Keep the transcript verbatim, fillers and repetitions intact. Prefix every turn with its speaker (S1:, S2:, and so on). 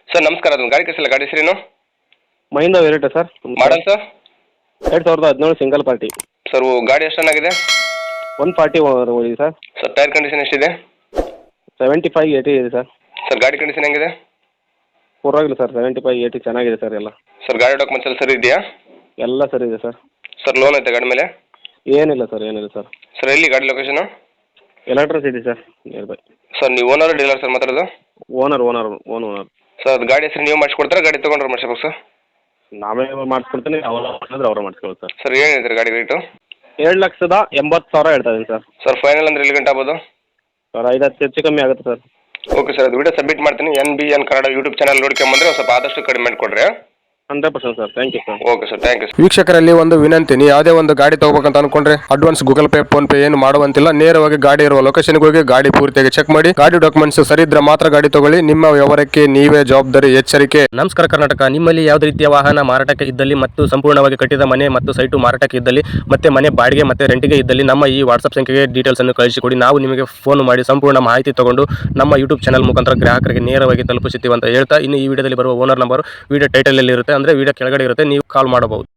S1: Sir ನಮಸ್ಕಾರ, ಅದೊಂದು ಗಾಡಿ ಕಳಿಸಿಲ್ಲ, ಗಾಡಿ ಹೆಸರೇನು?
S2: Mahindra variety sir.
S1: Model sir?
S2: ಎರಡು ಸಾವಿರದ ಹದಿನೇಳು ಸಿಂಗಲ್ ಪಾರ್ಟಿ.
S1: ಸರ್ ಗಾಡಿ ಎಷ್ಟು ಚೆನ್ನಾಗಿದೆ?
S2: ಒನ್ ಫಾರ್ಟಿ ಹೋಗಿದೆ ಸರ್.
S1: ಸರ್ ಟೈರ್ ಕಂಡೀಷನ್ ಎಷ್ಟಿದೆ?
S2: ಸೆವೆಂಟಿ ಫೈವ್ ಏಯ್ಟಿ ಇದೆ ಸರ್.
S1: ಸರ್ ಗಾಡಿ ಕಂಡೀಷನ್ ಹೆಂಗಿದೆ?
S2: ಪರವಾಗಿಲ್ಲ ಸರ್, ಸೆವೆಂಟಿ ಫೈವ್ ಏಯ್ಟಿ ಚೆನ್ನಾಗಿದೆ ಸರ್ ಎಲ್ಲ.
S1: ಸರ್ ಗಾಡಿ ಡಾಕ್ಯುಮೆಂಟ್ಸ್ ಎಲ್ಲ ಸರಿ ಇದೆಯಾ?
S2: ಎಲ್ಲ ಸರಿ ಇದೆ ಸರ್.
S1: ಸರ್ ಲೋನ್ ಐತೆ ಗಾಡಿ ಮೇಲೆ?
S2: ಏನಿಲ್ಲ ಸರ್, ಏನಿಲ್ಲ ಸರ್.
S1: ಸರ್ ಎಲ್ಲಿ ಗಾಡಿ location?
S2: Electric city sir, nearby.
S1: Sir ನೀವು ಓನರ್ ಡೀಲರ್ ಸರ್ ಮಾತಾಡೋದು?
S2: Owner owner own owner.
S1: Sir ಅದು ಗಾಡಿ ಹೆಸರು ನೀವು ಮಾಡಿಸ್ಕೊಡ್ತಾರೆ, ಗಾಡಿ ತೊಗೊಂಡ್ರೆ ಮಾಡಿಸ್ಬೇಕು ಸರ್?
S2: ನಾವೇ ಮಾಡಿಸ್ಕೊಡ್ತೀನಿ, ಅವ್ರು ಮಾಡಿದ್ರೆ ಅವ್ರು ಮಾಡಿಸ್ಕೊಳ್ಳಿ ಸರ್.
S1: ಸರ್ ಏನು ಹೇಳ್ತೀರಿ ಗಾಡಿ ರೇಟು?
S2: ಏಳು ಲಕ್ಷದ ಎಂಬತ್ತು ಸಾವಿರ ಹೇಳ್ತಾ ಇದ್ದೀನಿ ಸರ್.
S1: ಸರ್ ಫೈನಲ್ ಅಂದ್ರೆ ಎಲ್ಲಿ ಗಂಟೆ ಆಗ್ಬೋದು?
S2: ಸರ್ ಐದು ಹತ್ತು ಹೆಚ್ಚು ಕಮ್ಮಿ ಆಗುತ್ತೆ ಸರ್.
S1: ಓಕೆ ಸರ್, ಅದು ವಿಡಿಯೋ ಸಬ್ಮಿಟ್ ಮಾಡ್ತೀನಿ. N B N Kannada YouTube channel ನೋಡ್ಕೊಂಬಂದ್ರೆ ಸ್ವಲ್ಪ ಆದಷ್ಟು ಕಡಿಮೆ ಮಾಡಿಕೊಡ್ರಿ.
S2: Hundred percent sir, thank you sir.
S1: Okay sir, thank you.
S3: ವೀಕ್ಷಕರಲ್ಲಿ ಒಂದು ವಿನಂತಿ, ನೀವು ಯಾವುದೇ ಒಂದು ಗಾಡಿ ತಗೋಬೇಕಂತ ಅನ್ಕೊಂಡ್ರೆ advance Google Pay PhonePe ಏನು ಮಾಡುವಂತಿಲ್ಲ. ನೇರವಾಗಿ ಗಾಡಿ ಇರುವ ಲೊಕೇಶನ್ಗೆ ಹೋಗಿ ಗಾಡಿ ಪೂರ್ತಿಯಾಗಿ ಚೆಕ್ ಮಾಡಿ, ಗಾಡಿ ಡಾಕ್ಯುಮೆಂಟ್ಸ್ ಸರಿ ಇದ್ರೆ ಮಾತ್ರ ಗಾಡಿ ತಗೊಳ್ಳಿ. ನಿಮ್ಮ ವ್ಯವಹಾರಕ್ಕೆ ನೀವೇ ಜವಾಬ್ದಾರಿ. ಎಚ್ಚರಿಕೆ.
S4: ನಮಸ್ಕಾರ ಕರ್ನಾಟಕ. ನಿಮ್ಮಲ್ಲಿ ಯಾವುದೇ ರೀತಿಯ ವಾಹನ ಮಾರಾಟಕ್ಕೆ ಇದ್ದಲ್ಲಿ ಮತ್ತು ಸಂಪೂರ್ಣವಾಗಿ ಕಟ್ಟಿದ ಮನೆ ಮತ್ತು ಸೈಟು ಮಾರಾಟಕ್ಕೆ ಇದ್ದಲ್ಲಿ ಮತ್ತೆ ಮನೆ ಬಾಡಿಗೆ ಮತ್ತೆ ರೆಂಟಿಗೆ ಇದ್ದಲ್ಲಿ ನಮ್ಮ ಈ ವಾಟ್ಸ್ಆಪ್ ಸಂಖ್ಯೆಗೆ ಡೀಟೇಲ್ಸ್ ಅನ್ನು ಕಳಿಸಿಕೊಡಿ. ನಾವು ನಿಮಗೆ ಫೋನ್ ಮಾಡಿ ಸಂಪೂರ್ಣ ಮಾಹಿತಿ ತಗೊಂಡು ನಮ್ಮ ಯೂಟ್ಯೂಬ್ ಚಾನಲ್ ಮುಖಾಂತರ ಗ್ರಾಹಕರಿಗೆ ನೇರವಾಗಿ ತಲುಪಿಸುತ್ತೀವಿ ಅಂತ ಹೇಳ್ತಾ, ಇನ್ನು ಈ ವಿಡಿಯೋದಲ್ಲಿ ಬರುವ ಓನರ್ ನಂಬರ್ ವಿಡಿಯೋ ಟೈಟಲ್ ಅಲ್ಲಿ ಇರುತ್ತೆ, ಅಂದ್ರೆ ವಿಡಿಯೋ ಕೆಳಗಡೆ ಇರುತ್ತೆ, ನೀವು ಕಾಲ್ ಮಾಡಬಹುದು.